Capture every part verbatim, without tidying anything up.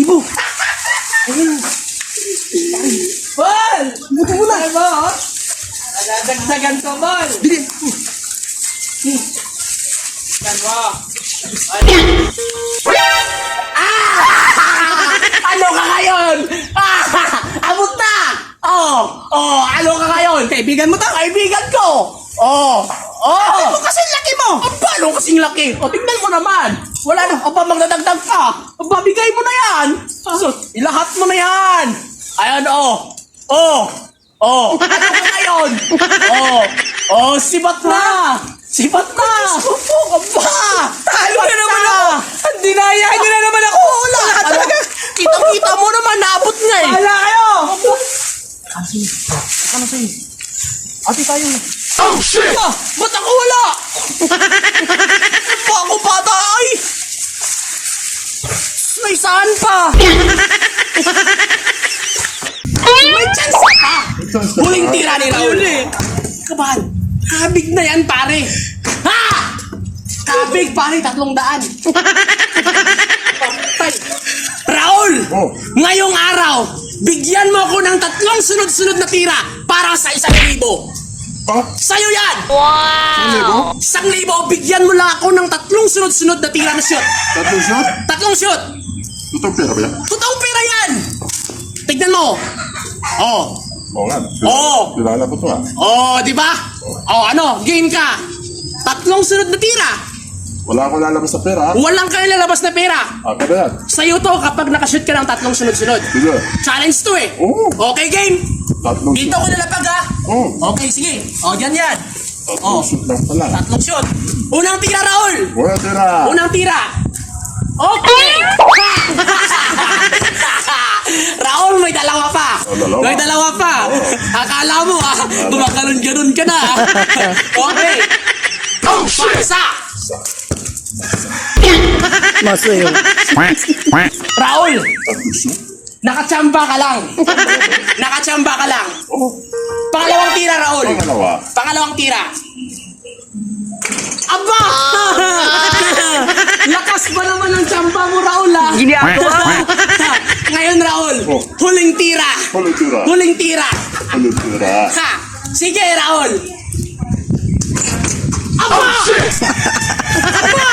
libo. Ayun. Bol! Buto mo na. Ano mo? Nadadagdagan ko, Bol. Bili. Yan mo. Ano? Ano ka ngayon? Ah! Abot na! Oh! Oh! Ano ka ngayon? Kaibigan mo to? Kaibigan ko! Oh! Oh! Ano kasi laki mo? Ang paano kasing laki? O, tignan mo naman! Wala na, o ba magdadagdag ka? O, babigay mo na yan! So, ilahat mo na yan! Ayan, oh! Oh! Oh! Ano ka ngayon? Oh! Oh! Sibat na! Sibat na! Opo, aba! Talo na naman ako! Ang dinaya nyo na naman ako! Wala ka talaga! Kita-kita mo naman, naabot nga eh! Wala kayo! Kasi, baka na sa'yo. Ate tayo. Oh, shit! Ah, ba't ako wala? Pa ako bata ay! May saan pa? May chance pa! Huling tira ni Raul eh! Kabahan, kabig na yan pare! Ha! Kabig pare, tatlong daan! Patay! Raul! Oh. Ngayong araw, bigyan mo ako ng tatlong sunod-sunod na tira para sa isang libo. Ah? Sa'yo yan! Isang libo? Isang libo, bigyan mo lang ako ng tatlong sunod-sunod na tira na shoot. Tatlong shot? Tatlong shoot! Totoong pera ba yan? Totoong pera yan! Tignan mo. Oh. Oo nga. Oo. Kilala ko to ah. Oh, di ba? Oh, ano? Game ka. Tatlong sunod na tira. Wala akong lalabas sa pera ah. Walang kang lalabas na pera. Ah, kada yan. Sa'yo to kapag nakashoot ka ng tatlong sunod-sunod. Sige. Challenge to eh. Oo. Okay, game? Tatlong Dito shoot. ko nalapag ha. Oo. Okay, sige. O, dyan yan. Tatlong Oh. shoot lang pala. Tatlong shoot. Unang tira, Raul. Wala tira. Unang tira. Okay. Raul, may dalawa pa. Oh, dalawa. May dalawa pa. Akala mo ah, gumaganon-ganon ka na. Okay. Oh, paksa. Masayo. Raul, Tatlong shoot? nakachamba ka lang. Nakachamba ka lang. Oo. Pangalawang tira, Raul. Pangalawa. Pangalawang tira. Aba! Lakas ba naman ang tsamba mo, Raul, ah? Ginagawa. Ngayon, Raul, Oh. huling tira. Huling tira. Huling tira. Huling tira. Ha! Sige, Raul. Aba! Aba!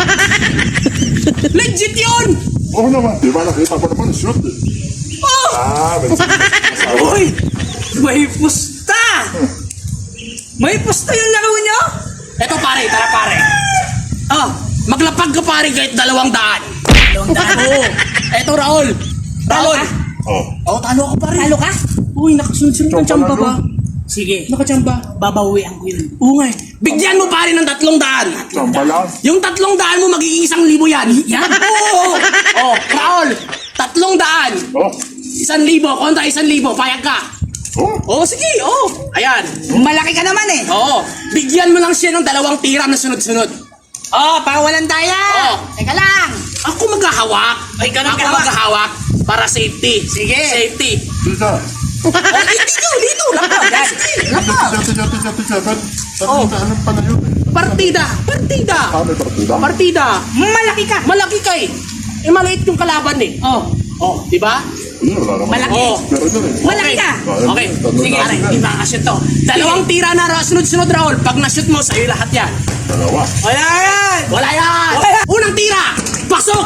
Legit yun! Oo naman. Di ba nakita ko naman shoot eh. Oh! Ah, may asawa. Uy! May pusta! May pusta yung laro nyo? Eto, pare, tara, pare. Oh, maglapag ka, pare, kahit dalawang daan. Dalawang daan. Oo. Eto, Raul. Raul. ka? Oh. Oh, talo ako, pare. Talo ka? Uy, nakasunod-sunod ng Tsamba tsamba na, ba? no? Sige. Nakachamba. Babawian ko yun. Oo nga eh. Bigyan mo, pare, ng tatlong daan. Tsamba lang. Yung tatlong daan mo, magiging isang libo yan. Yan. Oo. Oh, Raul. Tatlong daan. Oh. Isang libo. Kontra isang libo. Payag ka. Oh. Oo, sige. Oo. Ayan. Malaki ka naman eh. Oo. Bigyan mo lang siya ng dalawang tira na sunod-sunod. Oh, para walang daya. Oh. Teka lang. Ako maghahawak. Ay, ikaw na Ako maghahawak. maghahawak para safety. Sige. Safety. Tita. Oh, dito, dito. Lapag. Yan. Sige, Tita, lapag. tita, tita, tita, tita. Ba't Oh. tatlong daan pa na yun eh? Partida. Partida. Ah, may partida? Partida. Malaki ka. Malaki ka eh. Eh, maliit yung kalaban eh. Oh, Oh, di ba? Hindi, wala naman. Malaki. Oh. Pero yun eh. malaki ka. Okay. Sige, aray. Di ba kashoot to? Dalawang tira na ra- sunod-sunod, Raul. Pag na-shoot mo, sa'yo lahat yan. Dalawa. Wala yan. Wala yan. Wala yan. Unang tira. Pasok.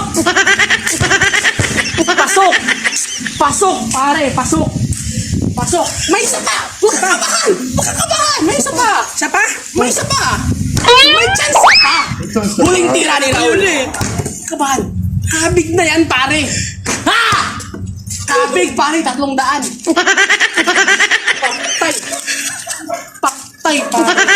Pasok. Pasok, pare. Pasok. Pasok. May isa pa. Huwag ka kabahan. Huwag ka kabahan. May isa pa. Siya pa? May isa pa. May chance pa. chance pa. Huling tira ni Raul. Kabahan. Kabig na yan, pare. Ha! Kabig, pare. Tatlong daan. Patay. Patay, pare.